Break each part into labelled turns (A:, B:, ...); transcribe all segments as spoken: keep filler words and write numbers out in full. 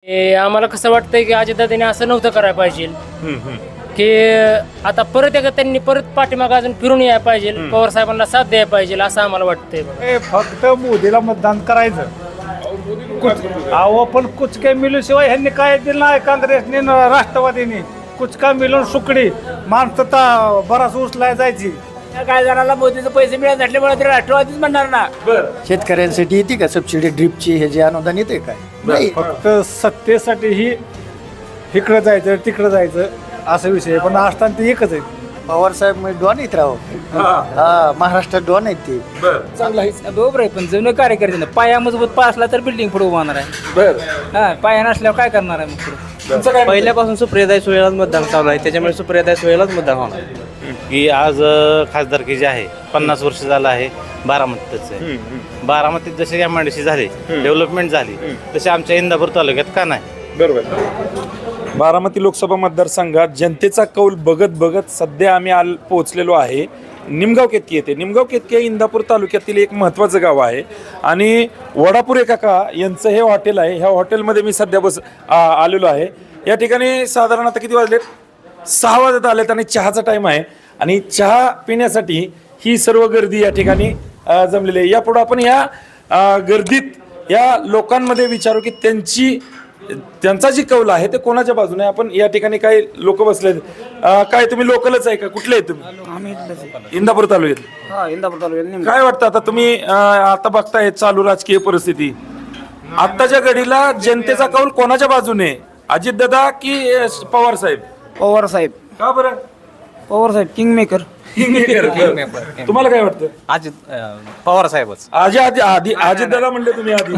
A: हे आम्हाला कसं वाटतंय की अजितदादांनी असं नव्हतं करायला पाहिजे की आता परत एकदा त्यांनी परत पाठीमागं अजून फिरून यायला पाहिजे, पवार साहेबांना साथ द्यायला पाहिजे असं आम्हाला वाटतंय बघा.
B: ए, फक्त मोदीला मतदान करायचं. अहो पण कुचके मिळूशिवाय ह्यांनी काय दिलं नाही काँग्रेसने न राष्ट्रवादीने. कुचका मिळून सुकडी माणसं तर बराच उचलाय जायची.
C: काय जणाला मोदीचे पैसे मिळत नसल्यामुळे ते राष्ट्रवादीच म्हणणार ना.
D: शेतकऱ्यांसाठी येते का सबसिडी ड्रिपची हे जे अनुदान येते काय नाही.
B: फक्त सत्तेसाठी ही इकडं जायचं तिकडं जायचं असा विषय आहे. पण असताना ते एकच आहे.
D: पवार साहेब म्हणजे डॉन आहेत राव. हा महाराष्ट्रात डॉन आहेत ते.
C: चांगला आहे बरोबर आहे, पण जुने कार्यकर्ते ना पाया मजबूत पाय असला तर बिल्डिंग पुढे उभारणार आहे. हा पाया नसल्यावर काय करणार आहे मग पुढे.
E: पहिल्यापासून सुप्रियाताई सुळेलाच मतदान चालू आहे, त्याच्यामुळे सुप्रियाताई सुळेलाच मतदान होणार.
F: की आज अ, खासदारकी जी आहे पन्नास वर्ष झालं आहे बारामतीच आहे. बारामतीत जसे एम आय डी सी झाले, डेव्हलपमेंट झाली, तसे आमच्या इंदापूर तालुक्यात का नाही.
G: बरोबर. बारामती लोकसभा मतदारसंघात जनतेचा कौल बघत बघत सध्या आम्ही आल पोहोचलेलो आहे निमगाव केतकी येथे. निमगाव केतकी हे इंदापूर तालुक्यातील एक महत्त्वाचं गाव आहे आणि वडापुरे काका यांचं हे हॉटेल आहे. ह्या हॉटेलमध्ये मी सध्या बस आ, आलेलो आहे. या ठिकाणी साधारण आता किती वाजलेत, सहा वाजत आलेत आणि चहाचा टाईम आहे आणि चहा पिण्यासाठी ही सर्व गर्दी या ठिकाणी अ, जमलेली आहे. यापुढे आपण या अ, गर्दीत या लोकांमध्ये विचारू की त्यांची त्यांचा जी कौल आहे ते कोणाच्या बाजूने. आपण या ठिकाणी काही लोक बसले. काय तुम्ही लोकलच आहे का, कुठले आहे तुम्ही? इंदापूर तालुक्यात.
C: हा इंदापूर तालुक्यात.
G: काय वाटतं आता तुम्ही अ, आता बघताय चालू राजकीय परिस्थिती, आत्ताच्या घडीला जनतेचा कौल कोणाच्या बाजूने, अजितदादा की अ, पवार साहेब?
C: पवार साहेब.
G: का बरं?
C: पवार साहेब किंग मेकर.
G: तुम्हाला काय वाटतं?
E: अजित पवार साहेबच.
G: आजी आधी आधी अजितदादा म्हणले तुम्ही आधी.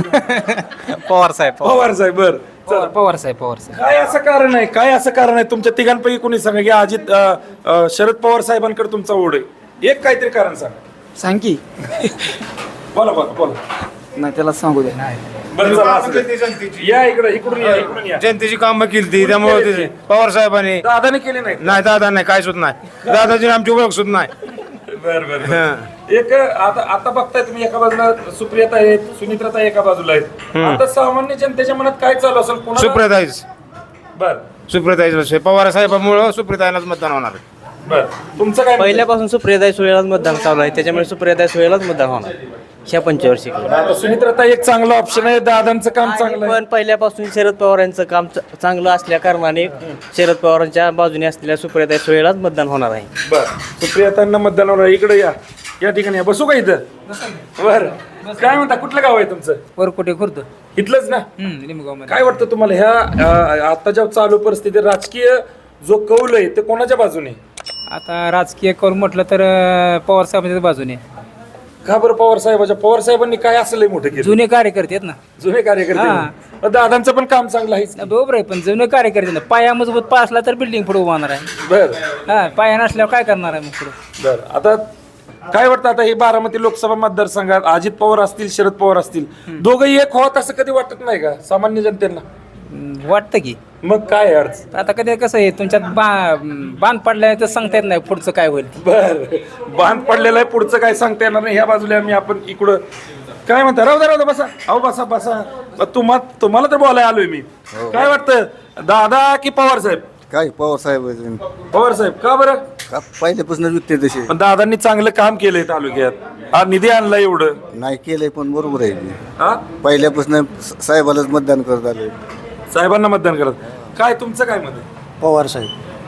E: पवार साहेब.
G: पवार साहेब. बर
C: पवार साहेब. पवार साहेब.
G: काय असं कारण आहे, काय असं कारण आहे तुमच्या तिघांपैकी कोणी सांगा की अजित अ, अ, शरद पवार साहेबांकडे तुमचा ओढ आहे? एक काहीतरी कारण सांगा.
C: सांग की.
G: बोला बोला बोला.
C: नाही त्याला सांगू द्या.
G: बरं चला, असू दे. या इकडे, इकडून या, इकडून या.
H: जनतेची कामं केली ती त्यामुळे पवार साहेबांनी.
G: दादाने केले नाही.
H: नाही दादा नाही काय सुद्धा नाही. दादाची आमची ओळख सुद्धा नाही.
G: बर बर. एक आता आता बघताय तुम्ही, एका बाजूला सुप्रियाता आहेत, सुनित्राता एका बाजूला आहेत. आता सामान्य जनतेच्या मनात काय चालू असेल? कोणाला?
H: सुप्रियाताईच.
G: बर
H: सुप्रियाताईच. पवार साहेबांमुळे सुप्रियाताईलाच मतदान होणार.
G: बर. तुमचं काय?
E: पहिल्यापासून सुप्रियाताई सुळेलाच मतदान चालू आहे, त्याच्यामुळे सुप्रियाताई सुळेलाच मतदान होणार ह्या पंचवर्षिक.
G: आता सुनित्राता एक चांगला ऑप्शन आहे, दादांचं काम चांगलं आहे.
E: पण पहिल्यापासून शरद पवारांचं काम च- चांगलं असल्या कारणाने शरद पवारांच्या बाजूने असलेल्या सुप्रियाताई सुळेलाच मतदान होणार आहे.
G: बर. सुप्रियातांना मतदान होणार. इकडे या, या ठिकाणी या. बसू का इथं? बर. काय म्हणता, कुठलं गाव आहे तुमचं?
C: वरकोटे खुर्द.
G: इथलंच ना?
C: लिंबगाव मध्ये.
G: काय वाटतं तुम्हाला ह्या अ, आताच्या चालू परिस्थितीत राजकीय जो कौल आहे ते कोणाच्या बाजूने?
C: आता राजकीय करून म्हटलं तर अं, पवार साहेबांच्या बाजूने.
G: का बरं पवार साहेबाच्या? पवार साहेबांनी काय असं लय मोठं केलं?
C: जुने कार्यकर्ते आहेत ना.
G: जुने कार्यकर्ते. दादांचं पण काम चांगलं आहे.
C: बरोबर आहे, पण जुने कार्यकर्ते ना पाया मजबूत पाय असला तर बिल्डिंग पुढे उभारणार आहे.
G: बर
C: हा पाया नसल्यावर काय करणार आहे मग पुढे.
G: बर. आता काय वाटतं, आता ही बारामती लोकसभा मतदारसंघात अजित पवार असतील, शरद पवार असतील, दोघंही एक होत असं कधी वाटत नाही का सामान्य जनतेला?
C: वाटतं की
G: मग काय अडचण?
C: आता कधी कसं आहे तुमच्यात बा बांध पडलाय तर सांगता येत नाही पुढचं काय होईल.
G: बर. बांध पडलेलं आहे, पुढचं काय सांगता येणार नाही. ह्या बाजूला आम्ही आपण इकडं काय म्हणता, राहू द्या राहू द्या, बसा. अहो बसा बसा. तुम्हा तुम्हाला तर बोलायला आलोय मी. काय वाटतं, दादा की पवार साहेब?
D: काय पवार साहेब
G: पवार साहेब. का बरं?
D: पहिल्यापासून विकते तसे
G: पण दादांनी चांगलं काम केलंय तालुक्यात, हा निधी आणला एवढं.
D: नाही केलंय पण बरोबर आहे.
G: हा
D: पहिल्यापासून साहेबालाच मतदान करत आले.
G: साहेबांना मतदान करत. काय तुमचं काय मत आहे?
D: पवार साहेब.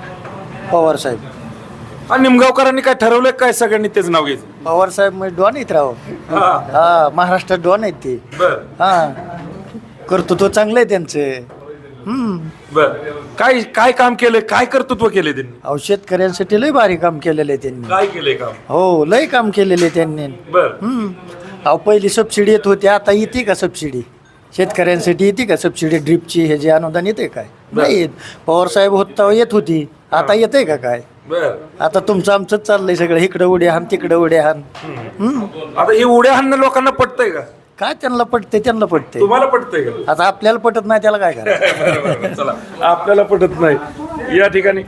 D: पवार साहेब.
G: हा निमगावकरांनी काय ठरवलंय काय सगळ्यांनी तेच नाव घ्यायचं?
D: पवार साहेब म्हणजे डॉन आहेत राव.
G: हा.
D: हा महाराष्ट्रात डॉन आहेत ते.
G: बर
D: हा कर्तृत्व चांगलं आहे त्यांचं. हम्म.
G: बर. काय काय काम केलंय, काय कर्तृत्व केलंय त्यांनी?
D: अहो शेतकऱ्यांसाठी लय भारी काम केलेलं आहे त्यांनी.
G: काय केलंय काम?
D: हो लय काम केलेलं आहे त्यांनी.
G: बर.
D: हम्म. अहो पहिली सबसिडी येत होती, आता येते का सबसिडी? शेतकऱ्यांसाठी येते का सबसिडी ड्रिपची हे जे अनुदान येते काय? नाही येत. पवार साहेब होत तेव्हा येत होती, आता येते का काय?
G: बर.
D: आता तुमचं आमचंच चाललंय सगळं, इकडं उड्या हान तिकडं उड्या हान. हम्म.
G: आता हे उड्या हाणणं लोकांना पटतंय का?
D: काय त्यांना पटते त्यांना पटते.
G: तुम्हाला पटतंय का?
D: आता आपल्याला पटत नाही त्याला काय करायचं.
G: बरं, बरं, चला. आपल्याला पटत नाही या ठिकाणी.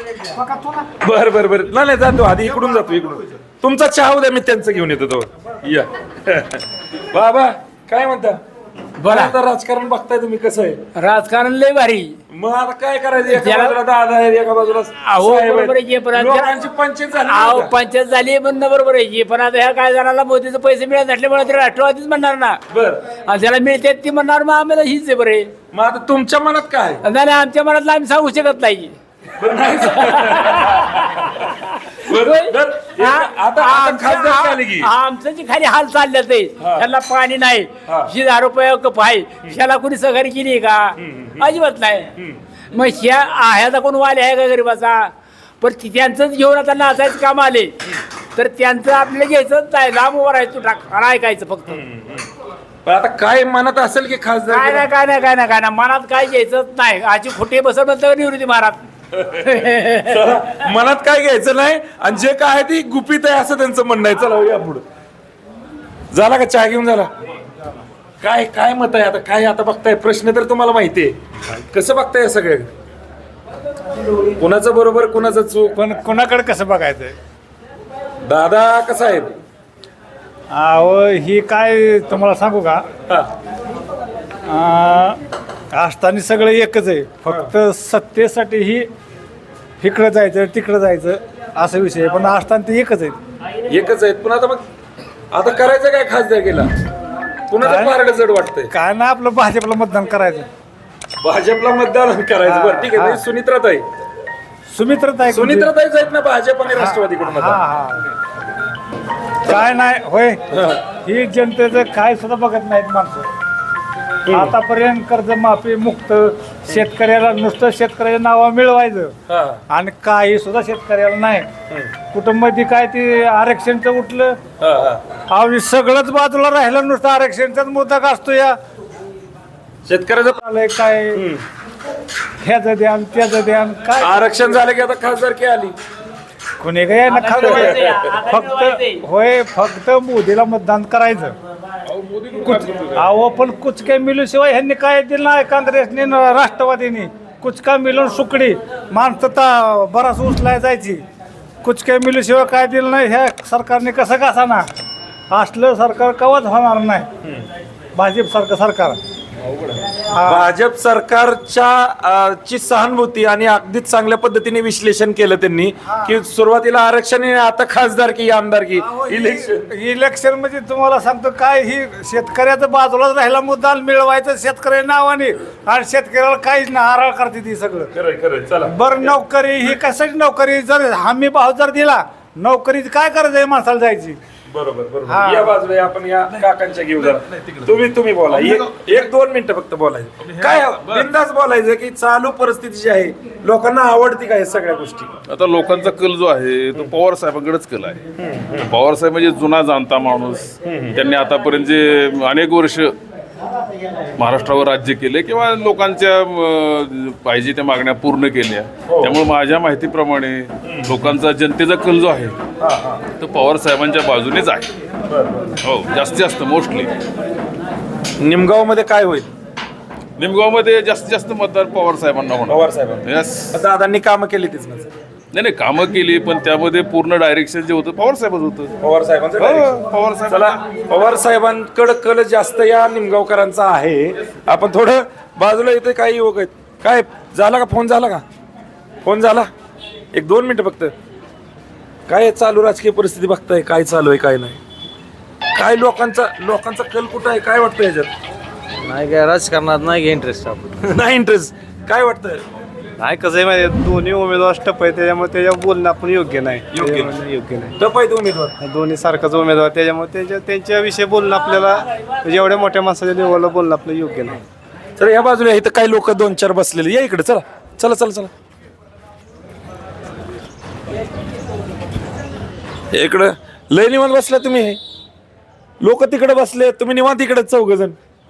G: बर बर बर. नाही नाही, जातो आधी इकडून जातो, इकडून. तुमचा चहा उद्या मी त्यांचं घेऊन येतो तो. या. बाबा काय म्हणता?
C: बोला.
G: आता राजकारण बघताय तुम्ही कसं आहे
C: राजकारण लय भारी.
G: मग आता काय करायचं एका
C: त्याला-
G: बाजूला दादा आहे एका बाजूला
C: अहो
G: साहेब आहेत.
C: बरोबर आहे की, पण आता-
G: लोकांची पंचायत झाली
C: अहो
G: नाही का?
C: पंचायत झाली म्हणणं बरोबर आहे की, पण आता ह्या काय जणाला मोदीचे पैसे मिळत नसल्यामुळे ते राष्ट्रवादीच म्हणणार ना.
G: बर
C: आणि ज्याला मिळतात ती म्हणणार मग आम्हाला हीच आहे बरे.
G: मग आता तुमच्या मनात काय आहे?
C: नाही नाही, आमच्या मनातलं आम्ही सांगू शकत नाही.
G: बरं, नाही. बरं, बरं. एक- आता आता खासदार आली की
C: आमचं जे खाली हाल चालले ते त्याला पाणी नाही,
G: हा.
C: ही दहा रुपये कप आहे, ह्याला कोणी सहकारी केली का? अजिबात नाही. मग ह्या ह्याचा कोण वाले आहे का गरीबाचा? पण ती- त्यांचंच घेऊन आता नाचायचं काम आले तर त्यांचं आपल्याला घ्यायचं नाही, लांब उभं राहायचं टाक आणि ऐकायचं फक्त.
G: पण आता काय मनात असेल की खासदार
C: काय नाही काय नाही काय नाही काय नाही मनात काय घ्यायचंच नाही. आजी खोटे बसत म्हणतं निवृत्ती महाराज.
G: चला, मनात काय घ्यायचं नाही आणि जे काय आहे ती गुपित आहे असं त्यांचं म्हणणं आहे. चला या पुढे. झाला का चहा घेऊन झाला? काय काय मत आहे आता? काय आता बघताय? प्रश्न तर तुम्हाला माहिती आहे. कसं बघताय सगळे? कुणाचं बरोबर कुणाचं चूक?
B: पण कोणाकडे कसं बघायचं?
G: दादा कसा आहे?
B: अहो ही काय तुम्हाला सांगू का?
G: हा.
B: असताना सगळं एकच आहे, फक्त सत्तेसाठी ही इकडं जायचं तिकडं जायचं असा विषय आहे. पण असताना ते एकच आहे.
G: एकच आहेत. पण आता मग आता करायचं काय खासदार केला? कुणाचं
B: काय?
G: मार्ग जड वाटतंय?
B: काय ना आपलं भाजपला मतदान करायचं.
G: भाजपला मतदान करायचं. बरं ठीक आहे. म्हणजे सुनित्राताई
B: सुमित्रताई
G: सुनित्राताईच आहेत ना भाजप आणि राष्ट्रवादीकडून
B: हा
G: मतदान.
B: हा काय नाही होय, ही जनतेचं काय सुद्धा बघत नाहीत माणसं. आतापर्यंत कर्जमाफी मुक्त, शेतकऱ्याला नुसतं शेतकऱ्याच्या नावा मिळवायचं
G: हा.
B: आणि काही सुद्धा शेतकऱ्याला नाही. कुटुंबाची काय ते आरक्षणचं उठलं,
G: हा, हा.
B: अहो सगळंच बाजूला राहिलं, नुसतं आरक्षणचाच मुद्दा असतो. या
G: शेतकऱ्याचं
B: आलंय काय ह्याचं द्यान त्याचं द्यान काय
G: आरक्षण झालं की आता खासदारकी आली.
B: कोणी काय ना खाल्लं फक्त होय, फक्त मोदीला मतदान करायचं. कुच- अहो पण कुचक्या मिलूशिवाय ह्यांनी काय दिलं नाही काँग्रेसने न राष्ट्रवादीने. कुचका मिळून सुकडी माणसं तर बराच उचलाय जायची. कुचक्या मिलूशिवाय काय दिलं नाही ह्या सरकारने. कसं कसा ना असलं सरकार कवाच होणार नाही. भाजप सारखं सरकार
G: भाजप सरकारच्या अ, ची सहानुभूती आणि अगदीच चांगल्या पद्धतीने विश्लेषण केलं त्यांनी की सुरुवातीला आरक्षण आणि आता खासदारकी आमदारकी इलेक्शन.
B: इलेक्शन म्हणजे तुम्हाला सांगतो काय, ही शेतकऱ्याचं बाजूलाच राहिला मुद्दा मिळवायचं शेतकऱ्या नावाने आणि शेतकऱ्याला काहीच ना आराळ करते ती सगळं.
G: खरंय खरंय. चला
B: बरं नोकरी ही कशाची नोकरी? जर हमी भाव जर दिला नोकरीची काय करायचं आहे माणसाला जायची?
G: बरोबर
B: हा.
G: बरोबर. या बाजूला आपण या काकांच्या घेऊ जरा. तुम्ही तुम्ही बोला एक एक दोन मिनिटं फक्त बोलायचं. काय बिंदास बोलायचं की चालू परिस्थिती जी आहे लोकांना आवडती काय सगळ्या गोष्टी?
I: आता लोकांचा कल जो आहे तो पवार साहेबांकडेच कल आहे. पवार साहेब म्हणजे जुना जाणता माणूस. त्यांनी आतापर्यंत जे अनेक वर्ष महाराष्ट्रावर राज्य केले किंवा लोकांच्या अं, पाहिजे त्या मागण्या पूर्ण केल्या. त्यामुळे माझ्या माहितीप्रमाणे लोकांचा जनतेचा कल जो आहे तो पवार साहेबांच्या बाजूनेच आहे. हो जास्तीत जास्त मोस्टली
G: निमगाव मध्ये काय होईल?
I: निमगावमध्ये जास्तीत जास्त मतदार पवार साहेबांना होणार.
G: पवार साहेब
I: यस.
G: दादांनी कामं केली तीच ना.
I: नाही नाही कामं केली पण त्यामध्ये पूर्ण डायरेक्शन जे होतं पवार साहेबच होतं.
G: पवार साहेबांचं
I: हो,
G: direction.
I: पवार साहेब.
G: चला पवार साहेबांकडे कल जास्त या निमगावकरांचा आहे. आपण थोडं बाजूला इथे काही युवक आहेत. काय झाला का? फोन झाला का? फोन झाला? एक दोन मिनिटं फक्त. काय चालू राजकीय परिस्थिती बघताय? काय चालू आहे काय नाही? काय लोकांचा लोकांचा कल कुठं आहे? काय वाटतं याच्यात?
E: नाही काय राजकारणात नाही काय इंटरेस्ट आपण.
G: नाही इंटरेस्ट. काय वाटतं?
J: नाही कसं आहे माहिती दोन्ही उमेदवार टप आहे त्याच्यामुळे त्याच्यावर बोलणं आपण योग्य नाही.
G: योग्य
J: त्याच्यामुळे योग्य नाही.
G: टप आहेत उमेदवार.
J: दोन्ही सारखाच उमेदवार त्याच्यामुळे त्यांच्या त्यांच्याविषयी बोलणं आपल्याला म्हणजे एवढ्या मोठ्या माणसाच्या लेवलला बोलणं आपलं योग्य नाही.
G: चला या बाजूला इथं काही लोक दोन चार बसलेले. या इकडे. चला चला चला चला इकडं. लय निवांत बसला तुम्ही. लोक तिकडे बसले, तुम्ही निवांत इकडे चौघ जण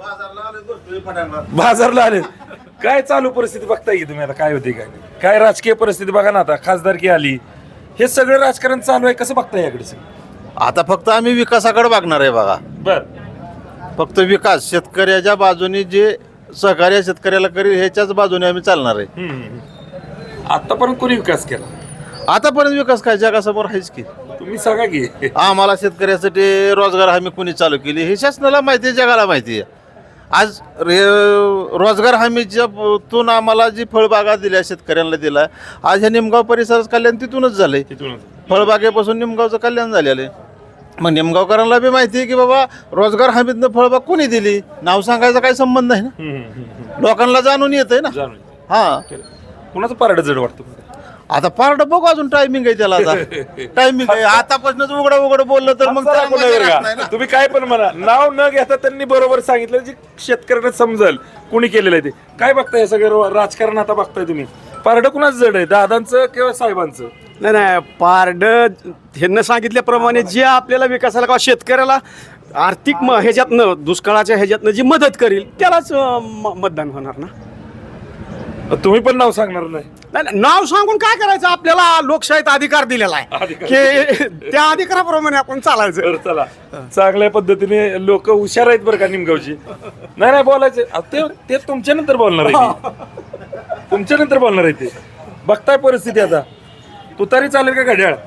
G: बाजारला आले. काय चालू परिस्थिती बघताय की तुम्ही आता? काय होती काय नाही? काय राजकीय परिस्थिती बघा ना. आता खासदारकी आली, हे सगळं राजकारण चालू आहे. कसं बघताय याकडे?
K: आता फक्त आम्ही विकासाकडे बघणार आहे बघा.
G: बर.
K: फक्त विकास शेतकऱ्याच्या बाजूने जे सहकार्य शेतकऱ्याला करेल ह्याच्याच बाजूने आम्ही चालणार आहे.
G: आतापर्यंत कोणी विकास केला?
K: आतापर्यंत विकास काय जगासमोर आहेच की.
G: तुम्ही सांगा की.
K: आम्हाला शेतकऱ्यासाठी रोजगार हमी कोणी चालू केली हे शासनाला माहिती आहे, जगाला माहिती आहे. आज रे रोजगार हमीच्या प- तून आम्हाला जी फळबागा दिल्या शेतकऱ्यांना दिला, आज ह्या निमगाव परिसराचं कल्याण तिथूनच झालंय. फळबागेपासून निमगावचं कल्याण झालेलं आहे. मग निमगावकरांना बी माहिती आहे की बाबा रोजगार हमीतनं फळबाग कोणी दिली, नाव सांगायचा काही संबंध नाही ना, लोकांना जाणून येतंय ना. हा,
G: कुणाचं पारडं जड वाटतं?
K: आता पार्ट बघू, अजून टायमिंग आहे त्याला. आता टायमिंग आहे, आतापासूनच उघडं उघडं बोललं तर मग त्याला
G: कोणावर
K: मजा राहत
G: का?
K: नाही ना.
G: तुम्ही काय पण म्हणा, नाव न घेता त्यांनी बरोबर सांगितलं जे शेतकऱ्यांना समजल कुणी केलेलं आहे ते. काय बघताय हे सगळं राजकारण आता बघताय तुम्ही? पारडं कुणाचं जड आहे, दादांचं किंवा साहेबांचं?
J: नाही नाही पारड ह्यांना सांगितल्याप्रमाणे जे आपल्याला विकासाला किंवा शेतकऱ्याला आर्थिक म ह्याच्यातनं दुष्काळाच्या ह्याच्यातनं जी मदत करेल त्यालाच अं, म- मतदान होणार ना.
G: तुम्ही पण नाव सांगणार नाही?
J: नाही नाही, नाव सांगून काय करायचं, आपल्याला लोकशाहीत अधिकार दिलेला आहे
G: अधिकार
J: की त्या अधिकाराप्रमाणे आपण चालायचं.
G: तर चला, चांगल्या पद्धतीने लोक हुशार आहेत बरं का निमगावची. नाही नाही बोलायचे ते ते तुमच्या नंतर बोलणार आहे ते. तुमच्या नंतर बोलणार आहे ते. बघताय परिस्थिती आता, तुतारी चालेल का घड्याळ?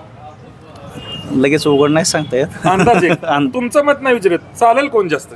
F: लगेच उघड नाही सांगता येत.
G: अंदाजे तुमचं मत नाही विचारत, चालेल कोण जास्त?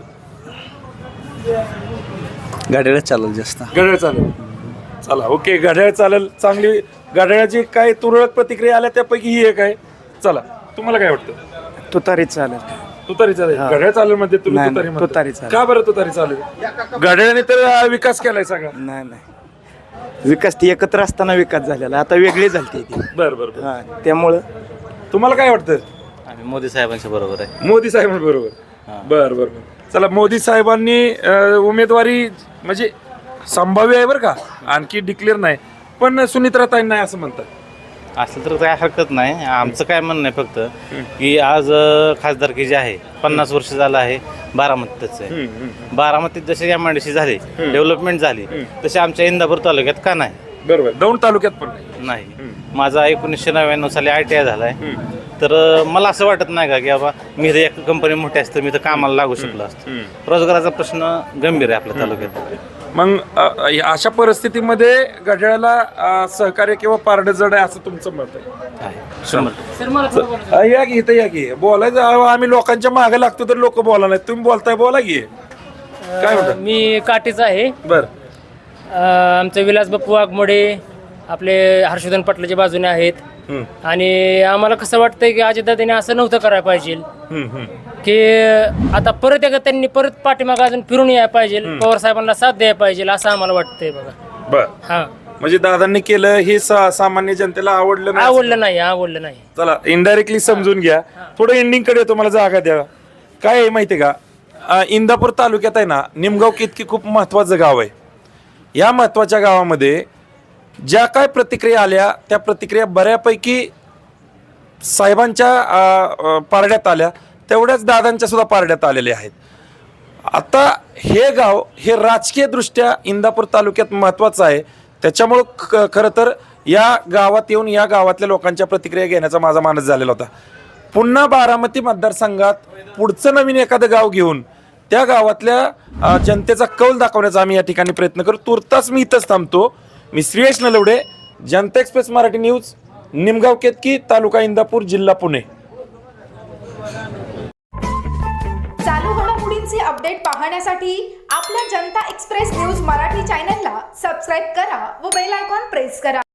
F: गाड्याला चालेल जास्त.
G: घड्याळ चालेल. चला ओके, घड्याळ चालेल. चांगली घड्याळाची काय तुरळक प्रतिक्रिया आल्या त्यापैकी ही एक आहे. चला, तुम्हाला काय वाटतं?
J: तुतारीच चालेल.
G: तुतारी चालेल. घड्याळ चालेल मध्ये तुम्ही
J: नाही,
G: तुतारी
J: नाही,
G: म्हणता.
J: तुतारी चालेल.
G: का बरं तुतारी चालेल? घड्याळाने तर अं, विकास केलाय सगळा.
J: नाही नाही, विकास ती एकत्र असताना विकास झालेला, आता वेगळी झाली ती.
G: बरं बरं बरं.
J: हा, त्यामुळं
G: तुम्हाला काय वाटतं?
F: आम्ही मोदी साहेबांच्या बरोबर आहे.
G: मोदी साहेबांबरोबर. बर बर बर. चला, मोदी साहेबांनी अं, उमेदवारी म्हणजे संभाव्य आहे बरं का, आणखी डिक्लेअर नाही, पण सुनित्राताईंना नाही असं म्हणतात.
F: असलं तर काय हरकत नाही. आमचं काय म्हणणं आहे फक्त की आज अं, खासदारकी जी आहे पन्नास वर्ष झालं आहे बारामतीच आहे. बारामतीत जसे एम आय डी सी झाली, डेव्हलपमेंट झाली, तसे आमच्या इंदापूर तालुक्यात का नाही?
G: बरोबर, दौंड तालुक्यात पण नाही.
F: नाही. माझा एकोणीसशे नव्याण्णव साली आय टी आय झाला आहे. तर अं, मला असं वाटत नाही का की बाबा मी तर एक कंपनी मोठी असतं, मी तर कामाला लागू शकलो असतो. रोजगाराचा प्रश्न गंभीर आहे आपल्या तालुक्यात.
G: मग अ, या अशा परिस्थितीमध्ये घड्याळाला अ, सहकार्य किंवा पारडं जड आहे असं तुमचं मत आहे?
F: शंभर.
A: सर मला थोडं बोलायचं.
G: अ, या की इथं या की बोलायचं. अहो, आम्ही लोकांच्या मागे लागतो तर लोक बोला नाही, तुम्ही बोलताय, बोला की. काय म्हणतात?
A: मी काठीचा आहे.
G: बर.
A: अं, आमचे विलास बापू वाघमोडे आपले हर्षवर्धन पाटलाच्या बाजूने आहेत. आणि आम्हाला कसं वाटतंय की अजितदादांनी असं नव्हतं करायला पाहिजे की आता परत एकदा त्यांनी परत पाठीमागं अजून फिरून यायला पाहिजे, पवार साहेबांना साथ द्यायला पाहिजे असं आम्हाला वाटतंय बघा.
G: बर.
A: हा,
G: म्हणजे दादांनी केलं हे सा- सामान्य जनतेला आवडलं नाही?
A: आवडलं नाही, आवडलं नाही.
G: चला, इनडायरेक्टली समजून घ्या. थोडं एंडिंग कडे तुम्हाला जागा द्या. काय आहे माहिती आहे का, अ, इंदापूर तालुक्यात आहे ना, निमगाव कितकी खूप महत्वाचं गाव आहे. या महत्वाच्या गावामध्ये ज्या काय प्रतिक्रिया आल्या त्या प्रतिक्रिया बऱ्यापैकी साहेबांच्या अ, अ, पारड्यात आल्या, तेवढ्याच दादांच्या सुद्धा पारड्यात आलेल्या आहेत. आता हे गाव हे राजकीय दृष्ट्या इंदापूर तालुक्यात महत्त्वाचं आहे. त्याच्यामुळं ख खरं तर या गावात येऊन या गावातल्या लोकांच्या प्रतिक्रिया घेण्याचा माझा मानस झालेला होता. पुन्हा बारामती मतदारसंघात पुढचं नवीन एखादं गाव घेऊन त्या गावातल्या अ, जनतेचा कौल दाखवण्याचा आम्ही या ठिकाणी प्रयत्न करू. तुर्तास मी इथंच थांबतो. मी श्रीयश नलवडे, जनता एक्सप्रेस मराठी न्यूज, निमगाव केतकी, तालुका इंदापूर, जिल्हा पुणे.
L: चालू घडामोडींचे अपडेट पाहण्यासाठी आपल्या जनता एक्सप्रेस न्यूज मराठी चॅनलला सबस्क्राईब करा व बेल आयकॉन प्रेस करा.